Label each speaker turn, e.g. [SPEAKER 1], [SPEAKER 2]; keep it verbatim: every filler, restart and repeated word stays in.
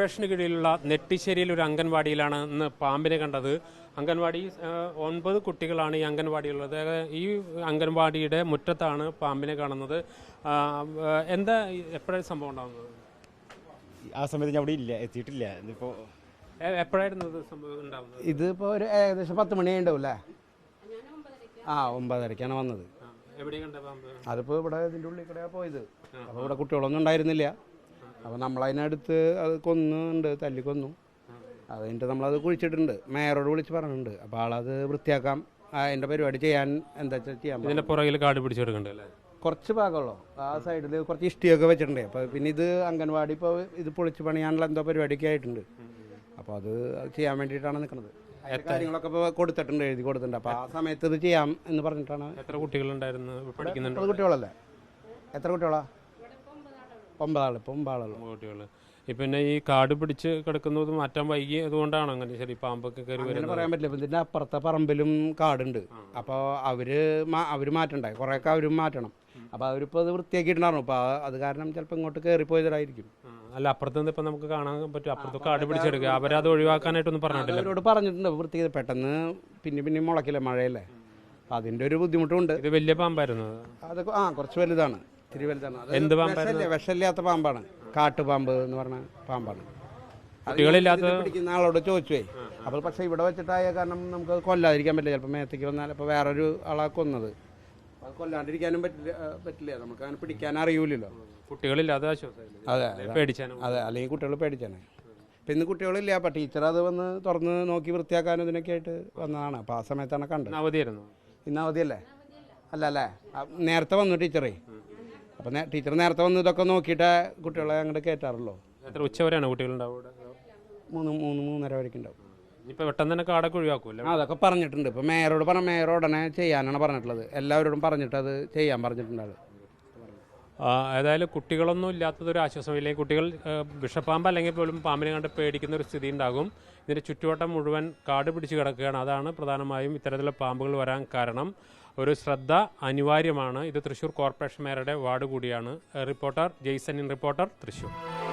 [SPEAKER 1] Corporation കീഴിലുള്ള നെട്ടിശ്ശേരിയിൽ ഒരു അംഗൻവാടിയിലാണ് ഇന്ന് പാമ്പിനെ കണ്ടത്. അംഗൻവാടി ഒൻപത് കുട്ടികളാണ് ഈ അംഗൻവാടിയുള്ളത്. ഈ അംഗൻവാടിയുടെ മുറ്റത്താണ് പാമ്പിനെ കാണുന്നത്. എന്താ എപ്പോഴാണ് സംഭവം ഉണ്ടാകുന്നത്?
[SPEAKER 2] ആ സമയത്ത് ഞാൻ അവിടെ ഇല്ല, എത്തിയിട്ടില്ല. ഇതിപ്പോൾ
[SPEAKER 1] എപ്പോഴായിരുന്നു സംഭവം ഉണ്ടാകുന്നത്?
[SPEAKER 3] ഇതിപ്പോൾ ഒരു ഏകദേശം പത്ത് മണി ഉണ്ടാവില്ലേ? ആ ഒമ്പതരക്കാണ് വന്നത്.
[SPEAKER 1] എവിടെ കണ്ട പാമ്പ്?
[SPEAKER 3] അതിപ്പോൾ ഇവിടെ ഇതിൻ്റെ ഉള്ളിൽ കൂടെയാണ് പോയത്. അപ്പോൾ ഇവിടെ കുട്ടികളൊന്നും ഉണ്ടായിരുന്നില്ല. അപ്പോൾ നമ്മളതിനടുത്ത് അത് കൊന്നുണ്ട്, തല്ലി കൊന്നു. അത് കഴിഞ്ഞിട്ട് നമ്മളത് കുഴിച്ചിട്ടുണ്ട്. മേയറോട് വിളിച്ച് പറഞ്ഞിട്ടുണ്ട്. അപ്പോൾ ആളത് വൃത്തിയാക്കാം, അതിൻ്റെ പരിപാടി ചെയ്യാൻ എന്താ വെച്ചാൽ ചെയ്യാം.
[SPEAKER 1] ഇതിൻ്റെ പുറകിൽ കാട് പിടിച്ചെടുക്കണ്ടല്ലേ?
[SPEAKER 3] കുറച്ച് ഭാഗമുള്ളൂ. ആ സൈഡിൽ കുറച്ച് ഇഷ്ടിയൊക്കെ വെച്ചിട്ടുണ്ട്. അപ്പോൾ പിന്നെ ഇത് അംഗൻവാടി ഇപ്പോൾ ഇത് പൊളിച്ച് പണിയാനുള്ള എന്തോ പരിപാടിയൊക്കെ ആയിട്ടുണ്ട്. അപ്പോൾ അത് ചെയ്യാൻ വേണ്ടിയിട്ടാണ് നിൽക്കുന്നത്. കാര്യങ്ങളൊക്കെ ഇപ്പോൾ കൊടുത്തിട്ടുണ്ട്, എഴുതി കൊടുത്തിട്ടുണ്ട്. അപ്പോൾ ആ സമയത്ത് ഇത് ചെയ്യാം എന്ന് പറഞ്ഞിട്ടാണ്.
[SPEAKER 1] എത്ര കുട്ടികളുണ്ടായിരുന്നു പഠിക്കുന്നുണ്ട്?
[SPEAKER 3] ഒമ്പത് കുട്ടികളല്ലേ? എത്ര കുട്ടികളാ? ഒമ്പതാൾ. ഇപ്പോൾ ഒമ്പതാളുള്ളൂ
[SPEAKER 1] കുട്ടികൾ. പിന്നെ ഈ കാട് പിടിച്ച് കിടക്കുന്നത് മാറ്റാൻ വൈകി അതുകൊണ്ടാണ് അങ്ങനെ ശരി പാമ്പൊക്കെ കയറി വരുന്നത്?
[SPEAKER 3] പറയാൻ പറ്റില്ല. ഇപ്പം ഇതിൻ്റെ അപ്പുറത്തെ പറമ്പിലും കാടുണ്ട്. അപ്പോൾ അവർ അവർ മാറ്റണ്ടേ, കുറേയൊക്കെ അവരും മാറ്റണം. അപ്പോൾ അവരിപ്പോൾ അത് വൃത്തിയാക്കിയിട്ടുണ്ടായിരുന്നു. അപ്പോൾ അത് കാരണം ചിലപ്പോൾ ഇങ്ങോട്ട് കയറിപ്പോയതായിരിക്കും.
[SPEAKER 1] അല്ല, അപ്പുറത്ത് നിന്ന് ഇപ്പം നമുക്ക് കാണാൻ പറ്റും. അപ്പുറത്ത് കാട് പിടിച്ചെടുക്കുക, അവരത് ഒഴിവാക്കാനായിട്ടൊന്നും പറഞ്ഞിട്ടില്ല.
[SPEAKER 3] അവരോട് പറഞ്ഞിട്ടുണ്ട് വൃത്തി. പെട്ടെന്ന് പിന്നെ പിന്നെ മുളക്കില്ല, മഴയല്ലേ. അപ്പം അതിൻ്റെ ഒരു ബുദ്ധിമുട്ടുണ്ട്.
[SPEAKER 1] ഇത് വലിയ പാമ്പായിരുന്നു?
[SPEAKER 3] അതൊക്കെ ആ കുറച്ച് വലുതാണ്, ഇത്തിരി വലുതാണ്.
[SPEAKER 1] എന്ത് പാമ്പായിരുന്നു?
[SPEAKER 3] വിഷമില്ലാത്ത പാമ്പാണ്, കാട്ടുപാമ്പ് എന്ന് പറഞ്ഞ പാമ്പാണ്.
[SPEAKER 1] കുട്ടികളില്ലാത്ത
[SPEAKER 3] പിടിക്കുന്ന ആളോട് ചോദിച്ചുവേ. അപ്പോൾ പക്ഷേ ഇവിടെ വെച്ചിട്ടായ കാരണം നമുക്ക് കൊല്ലാതിരിക്കാൻ പറ്റില്ല. ചിലപ്പോൾ മേത്തേക്ക് വന്നാൽ ഇപ്പോൾ വേറൊരു ആളെ കൊന്നത്, അത് കൊല്ലാണ്ടിരിക്കാനും പറ്റില്ല പറ്റില്ല നമുക്ക് അങ്ങനെ പിടിക്കാൻ അറിയൂലല്ലോ.
[SPEAKER 1] കുട്ടികളില്ലാതെ
[SPEAKER 3] അതെ
[SPEAKER 1] പേടിച്ചാണ്.
[SPEAKER 3] അതെ, അല്ലെങ്കിൽ കുട്ടികൾ പേടിച്ചാണ്. അപ്പം ഇന്ന് കുട്ടികളില്ല. അപ്പം ടീച്ചർ അത് വന്ന് തുറന്ന് നോക്കി വൃത്തിയാക്കാനും ഇതിനൊക്കെ ആയിട്ട് വന്നതാണ്. അപ്പോൾ ആ സമയത്താണ് കണ്ടത്.
[SPEAKER 1] അവധിയായിരുന്നു?
[SPEAKER 3] ഇന്ന് അവധിയല്ലേ? അല്ല അല്ലേ, നേരത്തെ വന്നു ടീച്ചറേ. അപ്പം ടീച്ചർ നേരത്തെ വന്ന് ഇതൊക്കെ നോക്കിയിട്ട് കുട്ടികളെ അങ്ങോട്ട് കയറ്റാറുള്ളൂ.
[SPEAKER 1] എത്ര ഉച്ച വരെയാണ് കുട്ടികളുണ്ടാവും?
[SPEAKER 3] മൂന്ന് മൂന്ന് മൂന്നര വരെയൊക്കെ ഉണ്ടാവും.
[SPEAKER 1] ഇനിയിപ്പോൾ പെട്ടെന്ന് തന്നെ കാടൊക്കെ ഒഴിവാക്കുമല്ലോ?
[SPEAKER 3] അതൊക്കെ പറഞ്ഞിട്ടുണ്ട്. ഇപ്പോൾ മേയറോട് പറഞ്ഞ മേയർ ഉടനെ ചെയ്യാനാണ് പറഞ്ഞിട്ടുള്ളത്. എല്ലാവരോടും പറഞ്ഞിട്ട് അത് ചെയ്യാൻ പറഞ്ഞിട്ടുണ്ട് ആൾ.
[SPEAKER 1] ഏതായാലും കുട്ടികളൊന്നും ഇല്ലാത്തതൊരു ആശ്വാസമില്ലെങ്കിൽ കുട്ടികൾ വിഷപ്പാമ്പ് അല്ലെങ്കിൽ പോലും പാമ്പിനെ കണ്ട് പേടിക്കുന്ന ഒരു സ്ഥിതി ഉണ്ടാകും. ഇതിൻ്റെ ചുറ്റുവട്ടം മുഴുവൻ കാട് പിടിച്ച് കിടക്കുകയാണ്. അതാണ് പ്രധാനമായും ഇത്തരത്തിലുള്ള പാമ്പുകൾ വരാൻ കാരണം. ഒരു ശ്രദ്ധ അനിവാര്യമാണ്. ഇത് തൃശ്ശൂർ കോർപ്പറേഷൻ മേയറുടെ വാർഡ് കൂടിയാണ്. Reporter Jaison in reporter, Thrissur.